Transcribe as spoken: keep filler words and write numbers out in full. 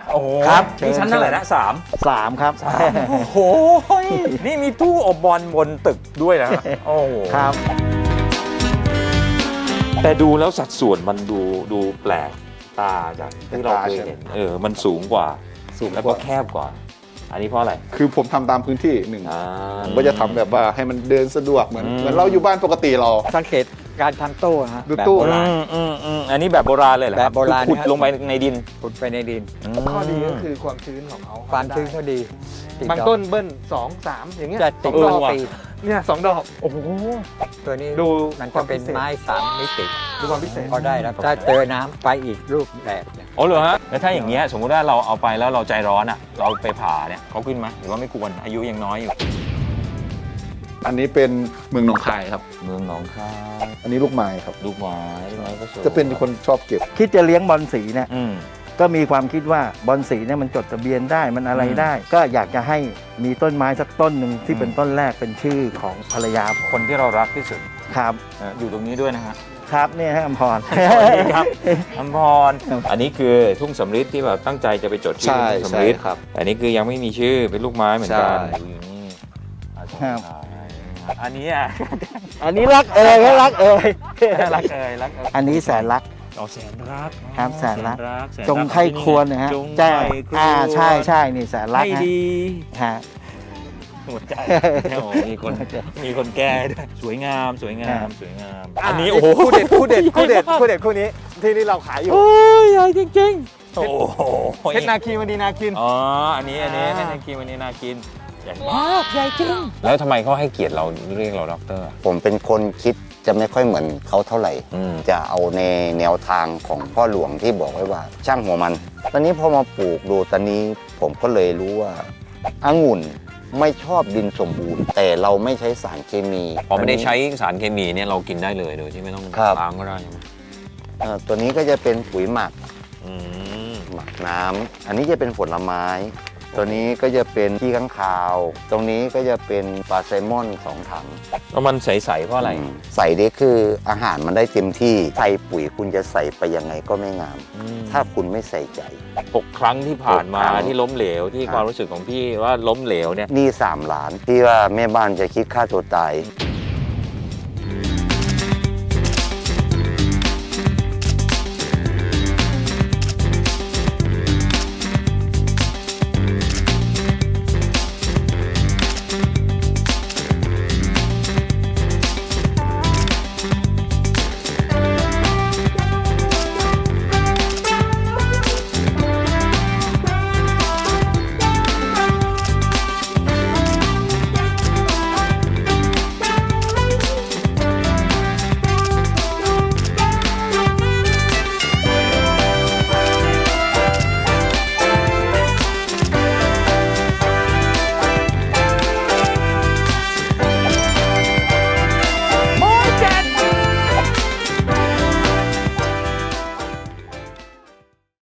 โอ้โหครับนี่ชั้นเท่าไหร่นะสามสามครับโอ้โหนี่มีตู้อบบอลบนตึกด้วยนะโอ้โหครับแต่ดูแล้วสัดส่วนมันดูดูแปลกตาจากที่เราเคยเห็นเออมันสูงกว่าสูงแล้วก็แคบกว่า อันนี้เพราะอะไรคือผมทำตามพื้นที่หนึ่งอ่าผมก็จะทำแบบว่าให้มันเดินสะดวกเหมือนอืมเหมือนเราอยู่บ้านปกติเราสังเกตการทำตู้นะฮะดูแบบตู้โบราณอืมอืมอืมอันนี้แบบโบราณเลยเหรอคแบบโบราณขุดครับลงไปในดินขุดไปในดินข้อดีก็คือความชื้นของเขาความชื้นเขาดีติดบางดอกต้นเบิ้ลสองสามอย่างเงี้ยจะติดเออดอกว่ะปีเนี่ยสองดอกโอ้โหตัวนี้ดูมันจะเป็นไม้สามมิติดูความพิเศษก็ได้แล้วถ้าเจอน้ำไปอีกรูปแบบเนี่ยอ๋อเหรอฮะแล้วถ้าอย่างเงี้ยสมมุติว่าเราเอาไปแล้วเราใจร้อนอ่ะเราไปผ่าเนี่ยเขาขึ้นไหมหรือว่าไม่ควรอายุยังน้อยอยู่อันนี้เป็นเมืองหนองคายครับเมืองหนองคายอันนี้ลูกไม้ครับลูกไม้ลูกไม้ก็สวยจะเป็นคนชอบเก็บคิดจะเลี้ยงบอลสีเนี่ยอืมก็มีความคิดว่าบอลสีเนี่ยมันจดทะเบียนได้มันอะไรอืมได้ ก็อยากจะให้มีต้นไม้สักต้นหนึ่งที่อืมเป็นต้นแรกเป็นชื่อของภรรยาผมคนที่เรารักที่สุดครับเอ่ออยู่ตรงนี้ด้วยนะฮะครับเนี่ยฮะอมพรสวัสดีครับอมพรครับอันนี้คือทุ่งสำริดที่แบบตั้งใจจะไปจดชื่อใช่ทุ่งใช่สำริดครับอันนี้คือยังไม่มีชื่อเป็นลูกไม้เหมือนกันใช่อยู่นี่อาจารย์ครับชายอันนี้อ่ะอันนี้รักเอ่ยก็รักเอ่ยรักเอ่ยรักเอ่ยอันนี้แสนรักอ๋อแสนรักครับแสนรักแสนจงรักไข้ควรนะฮะจงแจ้ไข้ควรอ่าใช่ใช่นี่แสนรักให้ฮะดีฮะหัวใจโอ้โหมีคนมีคนแก้ด้วยสวยงามสวยงามสวยงาม อันนี้โอ้โหคู่เด็ดคู่เด็ดคู่เด็ดคู่เด็ดคู่นี้ที่นี่เราขายอยู่โอ้ยใหญ่จริงๆโอ้โหเพชรนาคีมณีนาคินอ๋อ อันนี้ อันนี้อ่าเป็นนาคีวันนี้นากิน ใหญ่มาก ใหญ่จริง แล้วทำไมเขาให้เกียรติเราเรียกเราด็อกเตอร์ผมเป็นคนคิดจะไม่ค่อยเหมือนเขาเท่าไหร่อืมจะเอาในแนวทางของพ่อหลวงที่บอกไว้ว่า ช่างหัวมัน ตอนนี้พอมาปลูกดูตอนนี้ผมก็เลยรู้ว่าองุ่นไม่ชอบดินสมบูรณ์ แต่เราไม่ใช้สารเคมีพอไม่ได้ใช้สารเคมีเนี่ยเรากินได้เลยโดยที่ไม่ต้องครับล้างก็ได้ใช่ไหมเอ่อตัวนี้ก็จะเป็นปุ๋ยหมักอืมหมักน้ำอันนี้จะเป็นผลไม้ ตัวนี้ก็จะเป็นขี้ข้างคาว ตรงนี้ก็จะเป็นปลาไซลมอนสองถังแล้วมันใสๆเพราะอะไรมใส่ได้คืออาหารมันได้เต็มที่ใส่ปุ๋ยคุณจะใส่ไปยังไงก็ไม่งามอืมถ้าคุณไม่ใส่ใจหกครั้งที่ผ่านมาหกครั้งที่ล้มเหลวที่ครับความรู้สึกของพี่ว่าล้มเหลวเนี่ยหนี่สามล้านที่ว่าแม่บ้านจะคิดค่าตัวตาย